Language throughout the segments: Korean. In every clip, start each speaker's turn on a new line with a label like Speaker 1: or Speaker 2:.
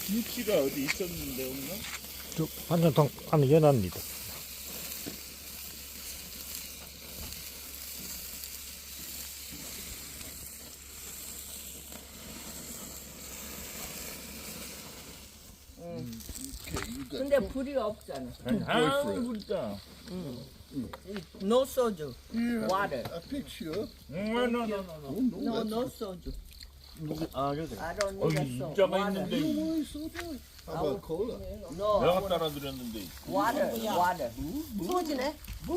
Speaker 1: 김치가 어디 있었는데 없나?
Speaker 2: 저 반찬통 안에 연합니다.
Speaker 1: Okay, you got
Speaker 3: 근데 불이 없잖아.
Speaker 1: 아, 진짜.
Speaker 3: No soju.
Speaker 1: Yeah,
Speaker 3: Water.
Speaker 1: a picture.
Speaker 3: No,
Speaker 1: No,
Speaker 3: no soju.
Speaker 4: 아 여기.
Speaker 3: I don't
Speaker 1: 어,
Speaker 3: need a
Speaker 1: 이
Speaker 3: soju.
Speaker 1: 입자가
Speaker 3: Water.
Speaker 1: 있는데 Why so bad? How about cola?
Speaker 3: No.
Speaker 1: 내가 따라드렸는데.
Speaker 3: Water. Water.
Speaker 5: 소지네.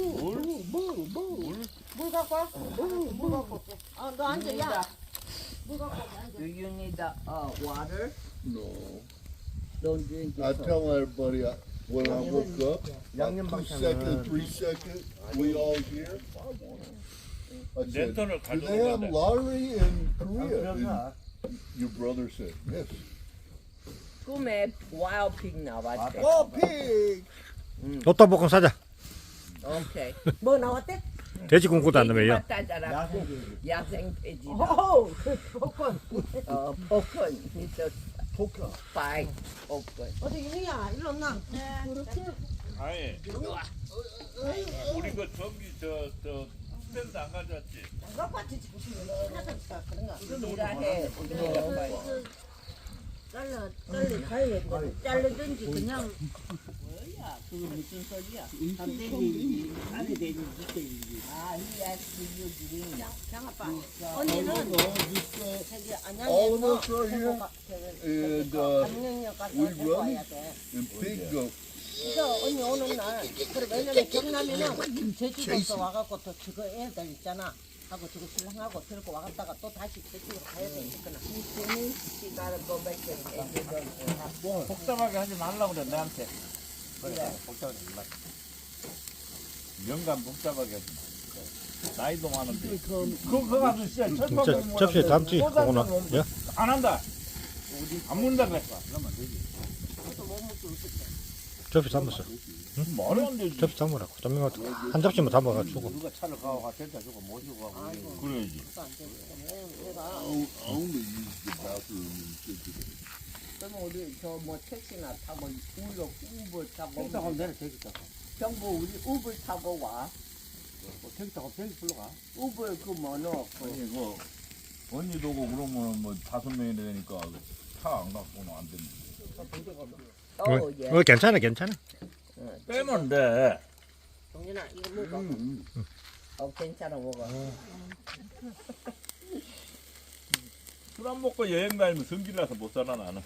Speaker 5: 물 갖고 와. 물 갖고 올게. 너 앉아, 야. 물 갖고 올게, 앉아.
Speaker 3: Do you need water?
Speaker 1: No.
Speaker 3: Don't drink
Speaker 1: I
Speaker 3: it.
Speaker 1: tell everybody when I woke up,
Speaker 4: 양념
Speaker 1: 2
Speaker 4: 반찬은
Speaker 1: seconds, 3 seconds, we all here. I said,
Speaker 6: 랜턴을
Speaker 1: do they have
Speaker 6: 가져오는데
Speaker 1: lottery in Korea?
Speaker 4: 그러나
Speaker 1: And your brother said, yes.
Speaker 3: 꿈에 wild pig 나왔대.
Speaker 1: Oh, pig!
Speaker 2: 로또 복권 사자.
Speaker 3: 오케이.
Speaker 5: 뭐 나왔대?
Speaker 2: 돼지 꿈꾸도 안 되면요.
Speaker 3: 따자라.
Speaker 4: 야생이
Speaker 3: 야생 돼지다.
Speaker 5: 오, 복권.
Speaker 3: 복권. 있어.
Speaker 4: 복권.
Speaker 3: 파이. 복권.
Speaker 5: 어디 윤희야, 일로 온나?
Speaker 6: 아예 우리 그 전기 저 스탠드 안 가져왔지?
Speaker 5: 갖고 왔지, 지금. 하나씩 그런가?
Speaker 3: 우리가 해. 우리가 파이.
Speaker 5: 잘라 가야 돼. 자르든지 그냥
Speaker 3: 뭐야? 그거 무슨 소리야?
Speaker 4: 안돼지 안에 돼지 밑돼지.
Speaker 3: 아, he asked you to drink.
Speaker 5: 장아빠.
Speaker 1: Oh,
Speaker 5: 언니는
Speaker 1: no, this,
Speaker 5: 저기
Speaker 1: All of us
Speaker 5: 안양에서
Speaker 1: are here. And,
Speaker 5: 안녕역 가서
Speaker 1: we
Speaker 5: 데리고
Speaker 1: run.
Speaker 5: 와야 돼.
Speaker 1: and pig goat.
Speaker 5: 그래서 언니 오는 날, 그래 왜냐면 경남에는 제주도에서 와갖고 또 저거 애들 있잖아. 하고 저거 신랑하고 들고 와갔다가 또 다시 제주도 가야 되니까.
Speaker 3: She gotta go back and take it.
Speaker 6: 복잡하게 하지 말라고 그래 내한테.
Speaker 4: 그래 복잡하지 말라.
Speaker 6: 영감 복잡하게 하지 마. 나이도 많은데. 그거 가서 진짜 철판
Speaker 2: 저 접시에 담지 그거나. 예?
Speaker 6: 안 한다. 안 문다 그랬어.
Speaker 4: 그러면 되지.
Speaker 2: 접시 담았어.
Speaker 6: 말이 안 되지.
Speaker 2: 접시 담으라고. 좀 한 접시만 담아가지고.
Speaker 4: 누가 차를 가고 가 델타 주고 모시고 가고.
Speaker 6: 그래야지.
Speaker 5: 내가
Speaker 1: Only use the bathroom in Cincinnati.
Speaker 3: 그럼 우리 저 뭐 택시나 타고 우로 우버 타고
Speaker 4: 택시 타고 내려 택시 타고.
Speaker 3: 경보 우리 우버 타고 와.
Speaker 4: 택시 타고 택시 불러가.
Speaker 3: 우버 그 뭐노
Speaker 6: 아니 그 언니도 오고 그러면 뭐 5명이 되니까 차 안 갖고는 안 되는데.
Speaker 3: 예.
Speaker 2: 괜찮아, 괜찮아.
Speaker 6: 빼면 돼.
Speaker 5: 동진아 이거 먹어.
Speaker 3: 괜찮아 먹어.
Speaker 6: 술 안 먹고 여행 가면 성질 나서 못 살아 나는.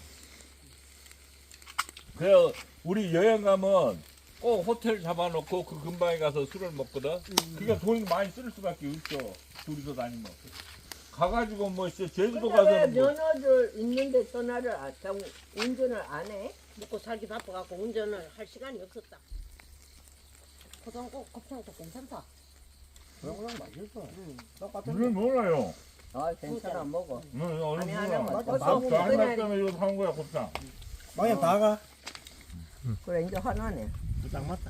Speaker 6: 그래 우리 여행 가면 꼭 호텔 잡아놓고 그 근방에 가서 술을 먹거든. 그러니까 돈이 많이 쓸 수밖에 없어. 둘이서 다니면. 가가지고 뭐 진짜 제주도
Speaker 3: 근데 왜
Speaker 6: 가서는 뭐
Speaker 3: 면허를 있는데 전화를 운전을 안 해?
Speaker 5: 먹고 살기 바빠갖고 운전을 할 시간이 없었다. 고등어 곱창도 괜찮다.
Speaker 4: 그럼 맛있어.
Speaker 6: 그게 뭐라요?
Speaker 3: 아 괜찮아 먹어.
Speaker 6: 어느
Speaker 3: 아니,
Speaker 6: 누나
Speaker 3: 하나만
Speaker 6: 나
Speaker 3: 더
Speaker 6: 한
Speaker 3: 그냥-
Speaker 6: 때문에 이거 사온 거야 곱창.
Speaker 4: 방에 다 가.
Speaker 3: 그래 이제 화나네.
Speaker 4: 딱 맞다.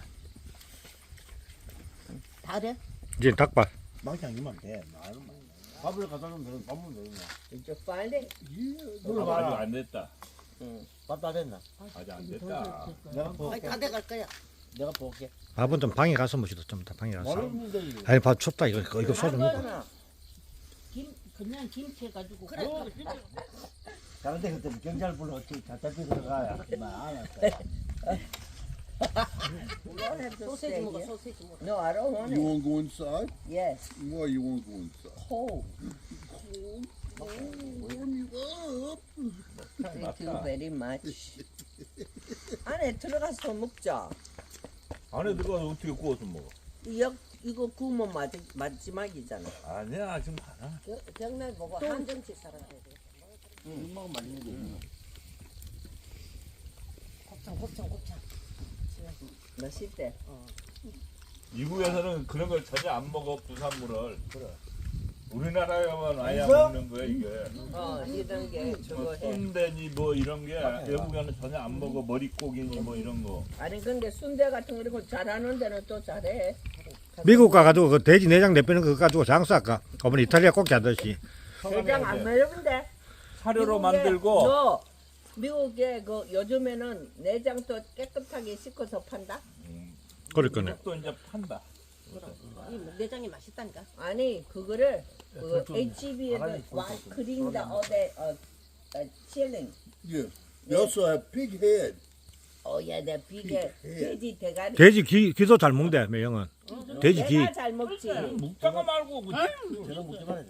Speaker 5: 다 돼?
Speaker 2: 이제 닭발.
Speaker 4: 망창이면 돼. 나는 밥을 갖다 주면 되는 밥은 되는
Speaker 3: 이제 빨리.
Speaker 6: 아직 안 됐다.
Speaker 4: 밥다 됐나?
Speaker 6: 아직 안 됐다.
Speaker 4: 내가
Speaker 5: 아니
Speaker 4: 볼게.
Speaker 5: 다 돼갈 거야.
Speaker 4: 내가 볼게.
Speaker 2: 밥은 좀 방에 가서 먹시다. 좀 더 방에 가서.
Speaker 4: 모르면 되지.
Speaker 2: 아니 밥 춥다 이거 소주 먹어.
Speaker 3: 하거나.
Speaker 5: 그냥 김치 해가지고 그래.
Speaker 4: 다른 데 그때 경찰 불러 어떻게 잡잡히 들어가야. 안 왔어.
Speaker 5: 소세지 먹어, 소세지 먹어.
Speaker 3: No, I don't want
Speaker 1: You
Speaker 3: it.
Speaker 1: want to go inside?
Speaker 3: Yes.
Speaker 1: Why you want to go inside?
Speaker 3: Cold.
Speaker 1: Warm you up.
Speaker 3: Thank you very much. 안에 들어가서 먹자.
Speaker 6: 안에 들어가서 어떻게 구워서 먹어?
Speaker 3: 이거 구우면 마지막이잖아.
Speaker 6: 아니야 지금 많아.
Speaker 5: 경날 보고 한정치 사람 해야 돼.
Speaker 4: 먹으면 맛있는 게 있네.
Speaker 5: 곱창.
Speaker 3: 맛있대.
Speaker 6: 미국에서는 그런 걸 전혀 안 먹어 부산물을.
Speaker 4: 그래.
Speaker 6: 우리나라에만 아예 안
Speaker 4: 있어?
Speaker 6: 먹는 거야 이게.
Speaker 3: 이런 게 저거
Speaker 6: 뭐
Speaker 3: 해.
Speaker 6: 순대니 뭐 이런 게 외국에는 전혀 안 먹어. 머릿고기니 뭐 이런 거.
Speaker 3: 아니 근데 순대 같은 거 이런 잘하는 데는 또 잘해.
Speaker 2: 미국 가가지고 그 돼지 내장 내빼는 거 가지고 장사할까? 어머니 이탈리아 꼭지 하듯이.
Speaker 3: 대장 안 매운데.
Speaker 6: 사료로
Speaker 3: 미국에
Speaker 6: 만들고
Speaker 3: 너 미국에 그 요즘에는 내장도 깨끗하게 씻어서 판다.
Speaker 2: 그러니까네.
Speaker 6: 미국도 이제 판다.
Speaker 5: 이 내장이 맛있다니까.
Speaker 3: 아니 그거를 그 HB에서 와 그린다 어데 칠링.
Speaker 1: Yeah. They also have pig head.
Speaker 3: 어야 내 비계 돼지 대가리.
Speaker 2: 돼지 기도 잘 먹대 매형은. 돼지 기.
Speaker 3: 내가 잘 먹지.
Speaker 6: 묵다가 말고 그지?
Speaker 4: 저런 먹지 말아야 돼.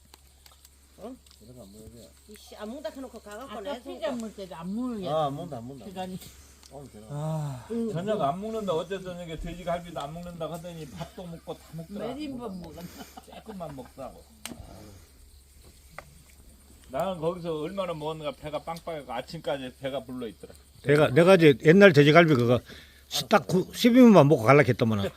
Speaker 5: 이씨 안 먹다 해놓고 가갖고
Speaker 7: 아까
Speaker 5: 내서
Speaker 7: 피자 먹을 때도 안 먹으려.
Speaker 4: 아, 먹는다.
Speaker 7: 시간이.
Speaker 4: 오늘 제가.
Speaker 6: 저녁 안 먹는다. 어제 저녁에 돼지갈비도 안 먹는다 하더니 밥도 먹고 다 먹더라.
Speaker 7: 몇 인분 먹었나?
Speaker 6: 조금만 먹다고. 나는 거기서 얼마나 먹었는가 배가 빵빵해서 아침까지 배가 불러 있더라.
Speaker 2: 내가 이제 옛날 돼지갈비 그거 딱 12분만 먹고 갈라했더만은.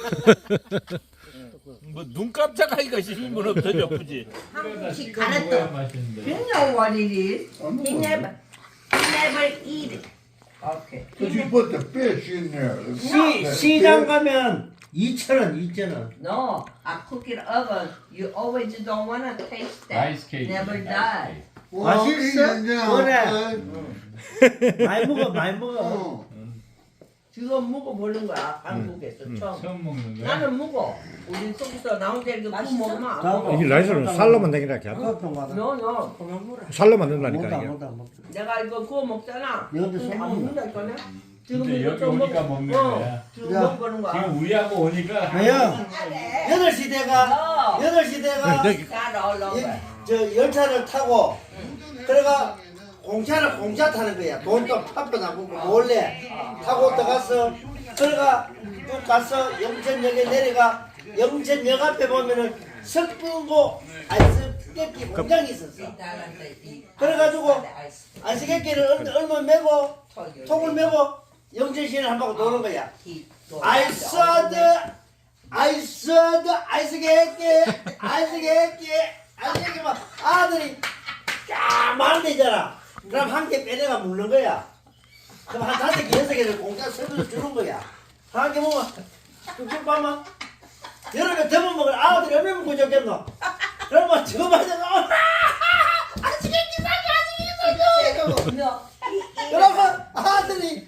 Speaker 6: 뭐 눈 깜짝하기가 싶으면 없어 예쁘지.
Speaker 3: 한국식 가르쳐. You know what it is? He never eat it. Okay.
Speaker 1: But you put the fish in there.
Speaker 4: 시장 가면 2,000원, 2,000원.
Speaker 3: No, I cook it oven. You always don't wanna taste that. Never die.
Speaker 1: Well,
Speaker 4: 맛있어?
Speaker 1: eat it now,
Speaker 4: 그래.
Speaker 1: okay?
Speaker 4: 많이 먹어, 많이 먹어.
Speaker 1: Oh.
Speaker 3: 지금 먹어보는 거야 한국에서 처음.
Speaker 6: 처음 먹는
Speaker 3: 나는 먹어. 우리 속에서 나온 게 이거 구 먹으면 안 먹어.
Speaker 2: 이게 라이스는 살로만 되기라 게
Speaker 4: 그거 좀 받아.
Speaker 3: No, no, 그만 먹어.
Speaker 2: 살로만 된다니까
Speaker 4: 먹다,
Speaker 2: 이게.
Speaker 4: 먹다, 먹다.
Speaker 3: 내가 이거 구워 먹잖아.
Speaker 4: 여기 손
Speaker 3: 안
Speaker 4: 먹는다.
Speaker 3: 먹는다니까. 지금
Speaker 6: 근데
Speaker 3: 이거
Speaker 6: 여기
Speaker 3: 좀
Speaker 6: 오니까
Speaker 3: 먹어.
Speaker 6: 먹는 거야.
Speaker 3: 지금
Speaker 4: 야.
Speaker 3: 먹어보는 거야.
Speaker 6: 지금 우리하고 오니까
Speaker 4: 매형, 8시 대가, 8시 대가,
Speaker 3: 다 올라가.
Speaker 4: 저 열차를 타고, 그래가 공차 타는 거야. 돈도 파파 나고 몰래 타고 들어가서, 그래가 쭉 가서 영천역에 내려가, 영천역 앞에 보면은 석분고 아이스깨끼 공장이 있었어. 그래가지고 아이스깨끼를 얼마 메고 통을 메고 영천시를 한 바퀴 도는 거야. 아이스하드 아이스깨끼 막 아들이 쫙 만들잖아. 그럼 한 개 빼내가 먹는 거야. 그럼 한 5개, 6개를 공짜 서비스 주는 거야. 한 개 먹으면 쭉쭉 봐만 여름에 더워 먹을 아들이 얼마나 먹고 좋겠노? 그러면 저거 맞아가 그러면 아들이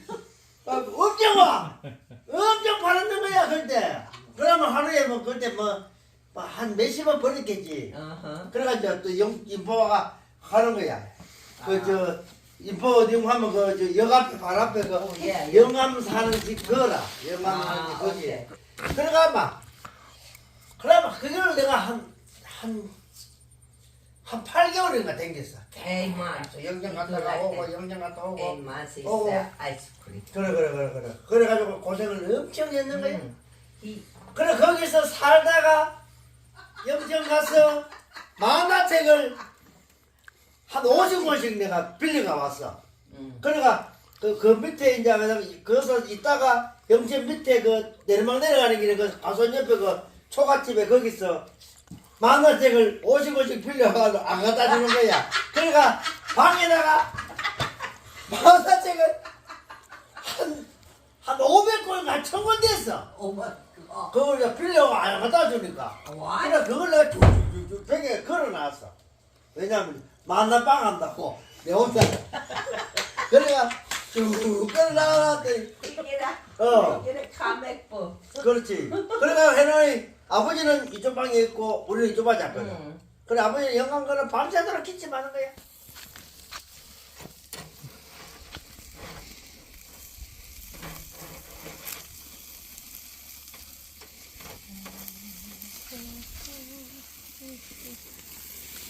Speaker 4: 엄청 팔았는 거야 그때. 그러면 하루에 뭐 그때 뭐 한 몇십원 벌었겠지. 그래가지고 또 인포가 하는 거야. 그 저 인포 어디 하면 그 저 역 앞에 발 앞에 그 영암 사는 집 거라. 영암 사는 집 거기. 그래가 막 그러면 그걸 내가 한 8개월인가 댕겼어. 영장 갔다가 오고 영장 갔다 오고. 그래. 그래가지고 고생을 엄청 했는 거야. 그래 거기서 살다가 영천 가서 만화책을 한 50권씩 내가 빌려가 왔어. 그러니까 그 밑에 이제 거기서 있다가 영천 밑에 그 내리막 내려가는 길에 그 가선 옆에 그 초가집에 거기서 만화책을 50권씩 빌려가서 안 갖다 주는 거야. 그러니까 방에다가 만화책을 한 500권인가 1000권 됐어. 그걸 내가 빌려가 안 갖다 주니까. 그래 그걸 내가 쭉쭉쭉 벽에 걸어놨어. 왜냐면 만나빵 한다고 내 혼자. 그래가 쭉 걸어나갔더니 그렇지. 그래가 해놓으니 아버지는 이쪽 방에 있고 우리는 이쪽 방에 잡거든. 그래 아버지는 영광거는 밤새도록 기침하는 거야.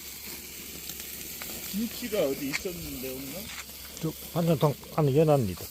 Speaker 6: 김치가 어디 있었는데 없나?
Speaker 2: 반찬통 안에 연합니다.